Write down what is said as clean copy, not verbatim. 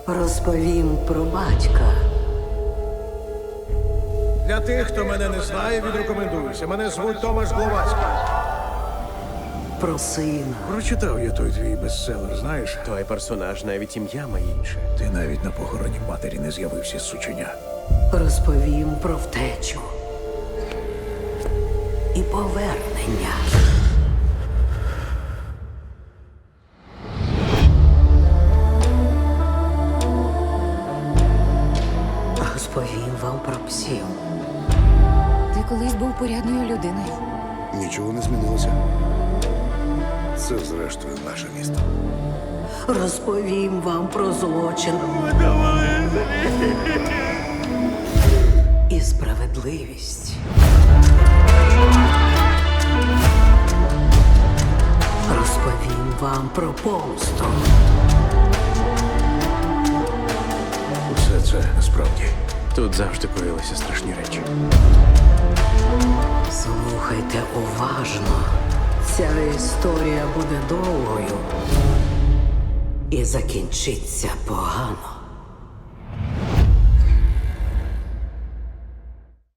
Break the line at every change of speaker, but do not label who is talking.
Розповім про батька.
Для тих, хто мене не знає, відрекомендуюся. Мене звуть Томаш Гловацький.
Про сина.
Прочитав я той твій бестселер, знаєш?
Той персонаж навіть ім'я має інше.
Ти навіть на похороні матері не з'явився з сученя.
Розповім про втечу. І повернення. Розповім вам про псів.
Ти колись був порядною людиною.
Нічого не змінилося. Це, зрештою, наше місто.
Розповім вам про злочин. І справедливість. Розповім вам про помсту.
Усе це насправді.
Тут завжди коїлися страшні речі.
Слухайте уважно. Ця історія буде довгою і закінчиться погано.